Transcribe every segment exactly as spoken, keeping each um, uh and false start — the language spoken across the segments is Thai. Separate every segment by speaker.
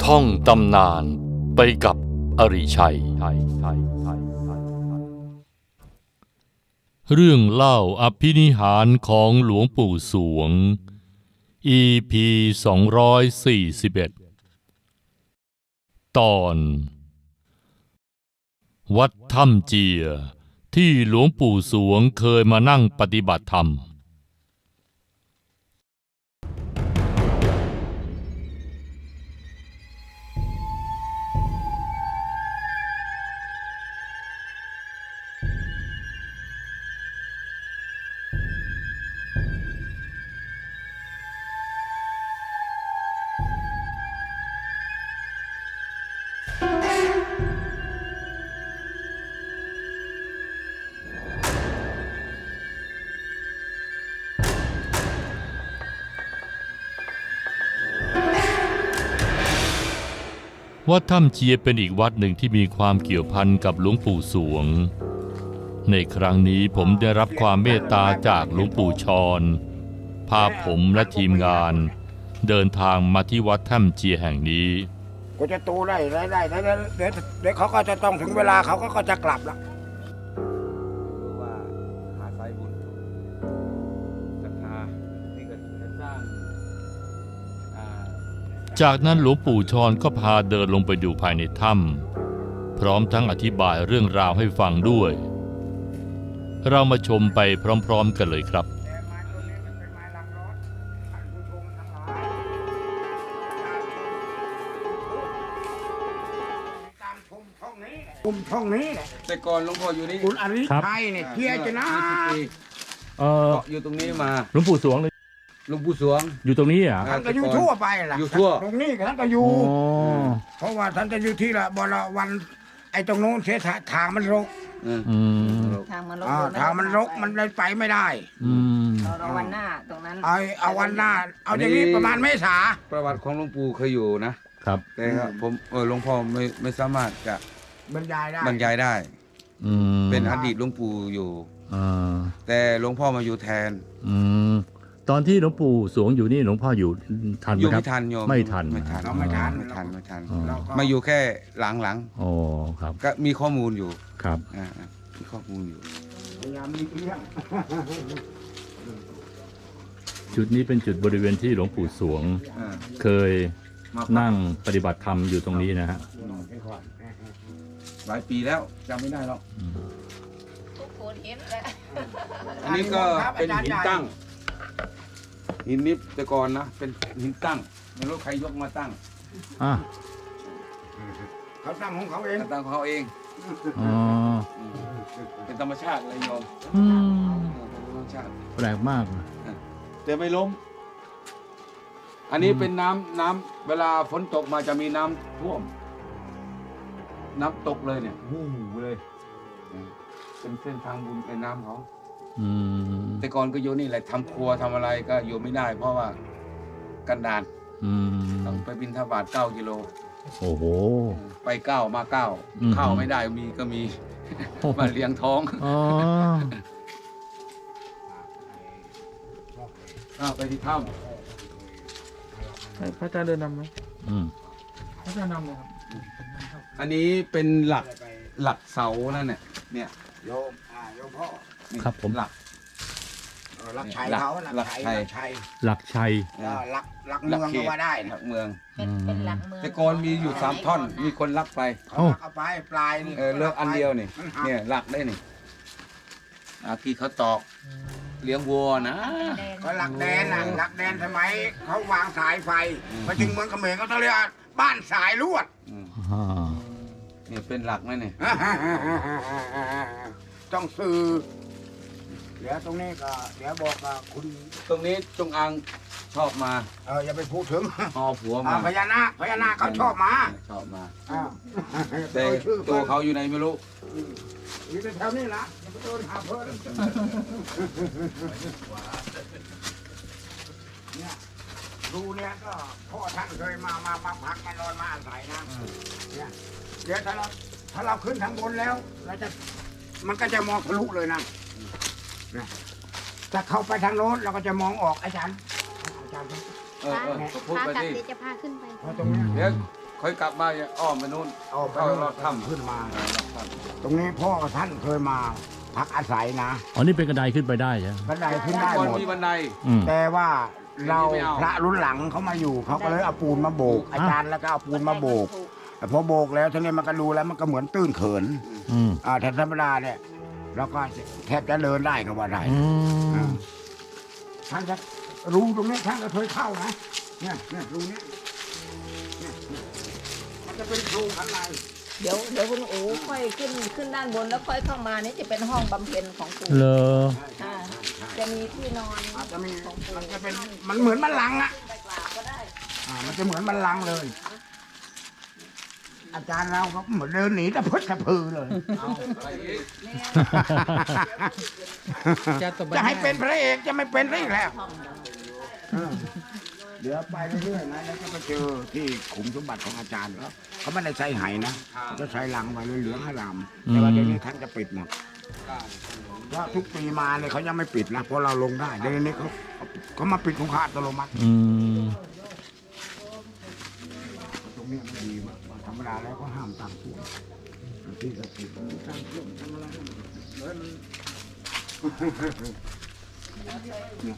Speaker 1: ท่องตำนานไปกับอริชัยเรื่องเล่าอภินิหารของหลวงปู่สวง อี พี สองร้อยสี่สิบเอ็ด ตอนวัดถ้ำเจียที่หลวงปู่สวงเคยมานั่งปฏิบัติธรรมวัดถ้ำเจียเป็นอีกวัดหนึ่งที่มีความเกี่ยวพันกับหลวงปู่สวงในครั้งนี้ผมได้รับความเมตตาจากหลวงปู่ชรพาผมและทีมงานเดินทางมาที่วัดถ้ำเจียแห่งนี้
Speaker 2: ก็จะตูได้ได้ได้เดี๋ยวเดี๋ยวเขาก็จะต้องถึงเวลาเขาก็จะกลับแล้ว
Speaker 3: ว่าหาสายบุญศรัทธาที่ก็จะสร้าง
Speaker 1: จากนั้นหลวงปู่ชรก็พาเดินลงไปดูภายในถ้ำพร้อมทั้งอธิบายเรื่องราวให้ฟังด้วยเรามาชมไปพร้อมๆกันเลยครับ
Speaker 2: กลุ่มช่องนี้แหละ
Speaker 3: แต่ก่อนหลวงพ่ออยู่นี่
Speaker 2: คุณอริชัยเนี่ยเพียรจะนะ
Speaker 3: เอออยู่ตรงนี้มา
Speaker 4: หลวงปู่สวงเลย
Speaker 3: หลวงปู่สวง
Speaker 4: อยู่ตรงนี้อ่ะ
Speaker 2: ท่านก็อยู่ทั่วไปล่ะ
Speaker 3: อยู่ทั่ว
Speaker 2: ตรงนี้ท่านก็อยู่เพราะว่าท่านจะอยู่ที่ละบริวันไอ้ตรงโน้นเสียทางมันรก
Speaker 5: ทางมันรก
Speaker 2: ทางมันรกมันเลยไปไม่ได้
Speaker 5: เอาวันหน้าตรงนั้น
Speaker 2: เอาเอาวันหน้าเอาอย่างนี้ประมาณเมษา
Speaker 3: ประวัติของหลวงปู่เคยอยู่นะครับแต่ครับผมเออหลวงพ่อไม่ไม่สามารถจะ
Speaker 2: บรรยายได้
Speaker 3: บรรยายได้เป็นอดีตหลวงปู่อยู่แต่หลวงพ่อมาอยู่แทน
Speaker 4: ตอนที่หลวงปู่สวงอยู่นี่หลวงพ่ออยู่ทันไหมครับ
Speaker 3: ไม่ทันโยม
Speaker 4: ไม่ทัน
Speaker 3: ไม่ทัน
Speaker 2: ไม่ทัน
Speaker 3: ไม่ทันไม่ทันมาอยู่แค่หลัง
Speaker 4: ๆอ๋อครับ
Speaker 3: ก็มีข้อมูลอยู่
Speaker 4: ครับ
Speaker 3: อ่ามีข้อมูลอยู่
Speaker 2: พยายามมีเรื่อง
Speaker 4: จุดนี้เป็นจุดบริเวณที่หลวงปู่สวงเคยนั่งปฏิบัติธรรมอยู่ตรงนี้นะฮะ
Speaker 3: หลายปีแล้วจำไม่ได้หรอก
Speaker 5: ทุกคนเห็นแล้ว
Speaker 3: อันนี้ก็เป็นหินตั้งหินนิบแต่ก่อนนะเป็นหินตั้งไม่รู้ใครยกมาตั้ง
Speaker 4: อ่ะ
Speaker 2: เขาตั้งของเขาเอง
Speaker 3: ตั้งของเขาเอง
Speaker 4: อ๋อ
Speaker 3: เป็นธรรมชาติเลยโยมธรรมชาติ
Speaker 4: แปลกมาก
Speaker 3: แต่ไม่ล้มอันนี้เป็นน้ำน้ำเวลาฝนตกมาจะมีน้ำท่วมน้ำตกเลยเนี่ยวู้เลยเป็นเส้นทางบุญเป็นน้ำเขาแต่ก่อนก็อยู่นี่แหละทำครัวทำอะไรก็อยู่ไม่ได้เพราะว่ากันดานต้องไปบิณฑบาตเก้ากิโล
Speaker 4: โอ้โห
Speaker 3: ไปเก้ามาเก้าข้าวไม่ได้มีก็มีมาเลี้ยงท้องอ๋อไปที่ถ้
Speaker 4: ำพระอาจารย์เดินนำไหม
Speaker 3: พระอาจารย์นำเลยครับอันนี้เป็นหลักหลักเสานั่นเนี่ยเนี่ย
Speaker 2: โยมอ่าโยมพ่อ
Speaker 4: ครับผม
Speaker 3: หลัก
Speaker 2: หลักชัยเขาหลักชัย
Speaker 4: หลักชัย
Speaker 2: หลักหลักเมืองก็ว่าได้
Speaker 3: หลักเมือง
Speaker 5: เป็นหลักเมือง
Speaker 3: แต่ก่อนมีอยู่สามท่อนมีคนลักไป
Speaker 2: เขาเอาไปปลายนี่
Speaker 3: เออเลือกอันเดียวนี่เนี่ยหลักได้นี่อาที่เขาตอกเลี้ยงวัวนะ
Speaker 2: ก็หลักแดนน่ะหลักแดนสมัยเขาวางสายไฟไปถึงเมืองเขมรเขาต้องเรียกบ้านสายลวด
Speaker 3: นี่เป็นหลักไหมเนี่ย
Speaker 2: ต้องซื้อเดี๋ยวตรงนี้ก็เดี๋ยวบอกกับคุณ
Speaker 3: ตรงนี้จงอางชอบมา
Speaker 2: เอออย่าไปพูดถึง
Speaker 3: หอผัวมา
Speaker 2: พญานาคพญานาคเขาชอบมา
Speaker 3: ชอบมาแต่ตัวเขาอยู่ไหนไม่รู้
Speaker 2: อยู่แถวนี้ละอย่าไปโดนหาเพิ่มเนี่ยดูเนี่ยก็พ่อท่านเคยมามามาพักมานอนมาอาศัยนะเนี่ยเดี๋ยวถ้าเราถ้าเราขึ้นทางบนแล้วเราจะมันก็จะมองทะลุเลยนะถ้าเข้าไปทางโน้นเราก็จะมองออกอาจารย์อาจารย์
Speaker 3: เออเออพูดไปดิ
Speaker 5: จะพาขึ้นไป
Speaker 3: เดี๋ยวค่อยกลับมาเนี่ยอ้อมไปนู่น
Speaker 2: เอาไป
Speaker 3: เข้า
Speaker 2: แล้ว
Speaker 3: รอดถ้ำ
Speaker 2: ทำขึ้นมา ตรงนี้พ่อท่านเคยมาพักอาศัยนะ
Speaker 4: อ๋อนี่เป็นกระไดขึ้นไปได้ใช่ไหม
Speaker 2: บันไดขึ้นได้
Speaker 3: ก่อน
Speaker 2: หมด
Speaker 3: มีบันได
Speaker 4: อืม
Speaker 2: แต่ว่าเรา
Speaker 3: ไม่เอา
Speaker 2: พระรุ่นหลังเขามาอยู่เขาก็เลยเอาปูนมาโบก อาจารย์แล้วก็เอาปูนมาโบกแต่พอโบกแล้วทีนี้มันก็ดูแล้วมันก็เหมือนตื้นเขิน
Speaker 4: อืม
Speaker 2: อ่าถ้าธรรมดาเนี่ยเราก็แทบจะเดินได้ก็ว่าได้
Speaker 4: อืม
Speaker 2: ท่านจะรู้ตรงนี้ท่านก็เคยเข้านะเนี่ยเนี่ยรูนี้เนี่ยเนี่ยมันจะเป็นรูข้างใน
Speaker 5: เดี๋ยวเดี๋ยวคุณอู๋ค่อยขึ้นขึ้นด้านบนแล้วค่อยเข้ามานี่จะเป็นห้องบำเพ็ญของปู่
Speaker 4: เลอ
Speaker 5: อ่าจะมีที่นอน
Speaker 2: อาจจะมีมันจะเป็นมันเหมือนบัลลังก์อะ
Speaker 5: ไปกราบก็ได้
Speaker 2: อ่ามันจะเหมือนบัลลังก์เลย อาจารย์เราก็เหมือนเดินหนีตะพึดตะพือเลย
Speaker 3: อะไรอีก
Speaker 2: จะให้เป็นพระเอกจะไม่เป็นพระเอกแล้วเออเดี๋ยวไปเรื่อยๆนะแล้วก็ไปเจอที่ขุมสมบัติของอาจารย์แล้วเขาไม่ได้ใช้ไหนะเขาจะใช้ลังไว้เหลืองๆอารามแต่ว่าเดี๋ยวนี้ท่านจะปิดหมดเพราะทุกปีมาเนี่ยเขายังไม่ปิดนะเพราะเราลงได้เดี๋ยวนี้เขาเขามาปิดของเขาอัตโนมัติ
Speaker 4: อืม
Speaker 2: ตรงเนี้ยมันดีมากธรรมดาแล้วก็ห้ามตั้งท่วมที่ศักดิ์สิทธิ์ตั้งท่วมทำอะไรเลยมันเนี่ย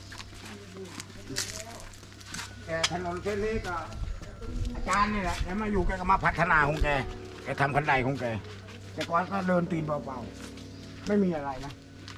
Speaker 2: แต่ถนนเส้นนี้ก็อาจารย์นี่แหละแกมาอยู่แกก็มาพัฒนาของแกแกทำคันไดของแกแต่ก่อนก็เดินตีนเบาๆไม่มีอะไรนะ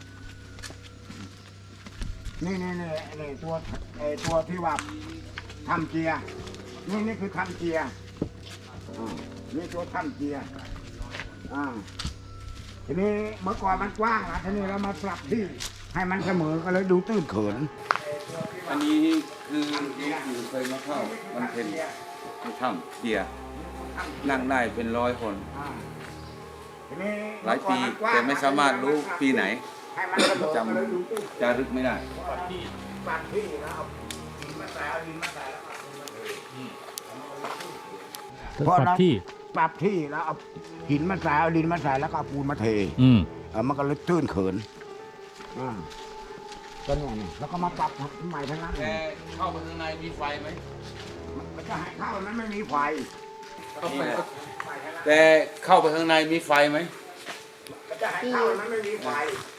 Speaker 2: นี่นี่นี่นี่ตัวไอ้ตัวที่ว่าทำเกียร์นี่นี่คือทำเกียร์อ่านี่ตัวทำเกียร์อ่าทีนี้เมื่อก่อนมันกว้างนะทีนี้เรามาปรับที่ให้มันเสมอก็เลยดูตื้นเขิน
Speaker 3: อันนี้คือหลวงปู่เคยมาเข้ามันเป็นในถ้ำเกียร์นั่งได้เป็นร้อยคน
Speaker 2: อ่าทีนี้
Speaker 3: หลายปีแต่ไม่สามารถรู้ปีไหน
Speaker 2: ให้มันเสมอ
Speaker 3: จ
Speaker 2: ก็เลยดูตื้น
Speaker 3: ำจารึกไม่ได้
Speaker 2: ปรับที่ปรับที่แล้วเอาดินมาใส่เอาดินมาใส่แล้วก็เอาดินมาเท
Speaker 4: ปรับที่
Speaker 2: ปรับที่แล้วเอาหินมาใส่เอาดินมาใส่แล้วก็เอาปูนมาเท
Speaker 4: อืม
Speaker 2: เออมันก็เลยตื้นเขินอ่าก็เนี่ยนี่แล้วก็มาปรับใหม่ทั้งนั้น
Speaker 3: แต่เข้าไปข้างในมีไฟไหม
Speaker 2: มันจะให้เข้านั้นไม่มีไฟ
Speaker 3: แต่เข้าไปข้างในมีไฟไหม
Speaker 2: มันจะให้เข้านั้นไม่มีไฟ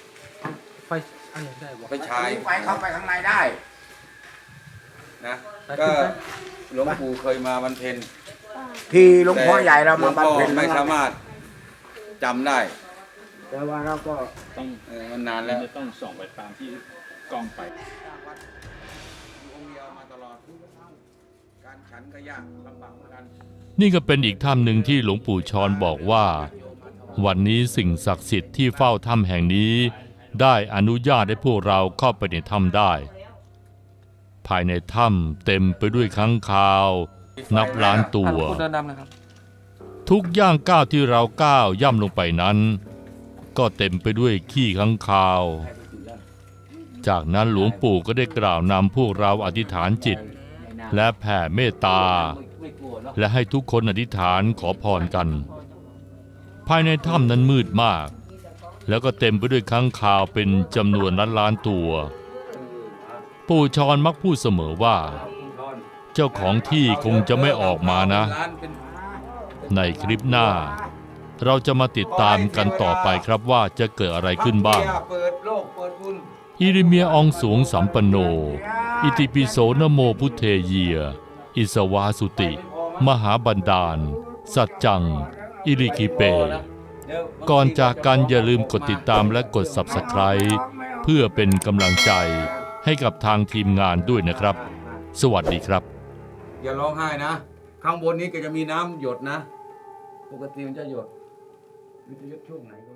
Speaker 3: ไปฉาย
Speaker 2: มีไฟเข้าไปข้างในได้
Speaker 3: นะก็หลวงปู่เคยมาบรรเพ็ญ
Speaker 2: ที่หลวงพ่อใหญ่เรา
Speaker 3: หลว
Speaker 2: มาง บำ
Speaker 3: พ่อ
Speaker 2: เพ็ญ
Speaker 3: ไม่สามารถจำได้
Speaker 2: แต่ว่าเราก็
Speaker 4: ต้อง
Speaker 3: เออมันนานแล้ว
Speaker 4: จะต้องส่องไปตามที่กล้องไป
Speaker 3: องค์เดียวมาตลอดการฉันก็ยากลำบากเหมือนกัน
Speaker 1: นี่ก็เป็นอีกถ้ำหนึ่งที่หลวงปู่ชรบอกว่า วันนี้สิ่งศักดิ์สิทธิ์ที่เฝ้าถ้ำแห่งนี้ ได้อนุญาตให้พวกเราเข้าไปในถ้ำได้ ภายในถ้ำเต็มไปด้วยค้างคาว นับล้านตัว ทุกย่างก้าวที่เราก้าวย่ำลงไปนั้น ก็เต็มไปด้วยขี้ค้างคาว จากนั้นหลวงปู่ก็ได้กล่าวนำพวกเราอธิษฐานจิต และแผ่เมตตา และให้ทุกคนอธิษฐานขอพรกัน ภายในถ้ำนั้นมืดมาก แล้วก็เต็มไปด้วยค้างคาวเป็นจำนวนล้านล้านๆตัว ปู่ชรมักพูดเสมอว่า เจ้าของที่คงจะไม่ออกมานะ
Speaker 3: ร้านเป็น
Speaker 1: ในคลิปหน้า เราจะมาติดตามกันต่อไปครับว่าจะเกิดอะไรขึ้นบ้าง
Speaker 3: เปิดโลกเปิดบุญ
Speaker 1: อิริเมียอองสวงสัมปันโน อิติปิโสนโมพุทเทเยีย อิสวาสุติ มหาบันดาล สัจจัง อิริคิเป ก่อนจากกันอย่าลืมกดติดตามและกด ซับสไครบ์ เพื่อเป็นกำลังใจให้กับทางทีมงานด้วยนะครับ สวัสดีครับ
Speaker 3: อย่าร้องไห้นะ ข้างบนนี้ก็จะมีน้ำหยดนะ ปกติมันจะหยดมันจะหยดช่วงไหนก็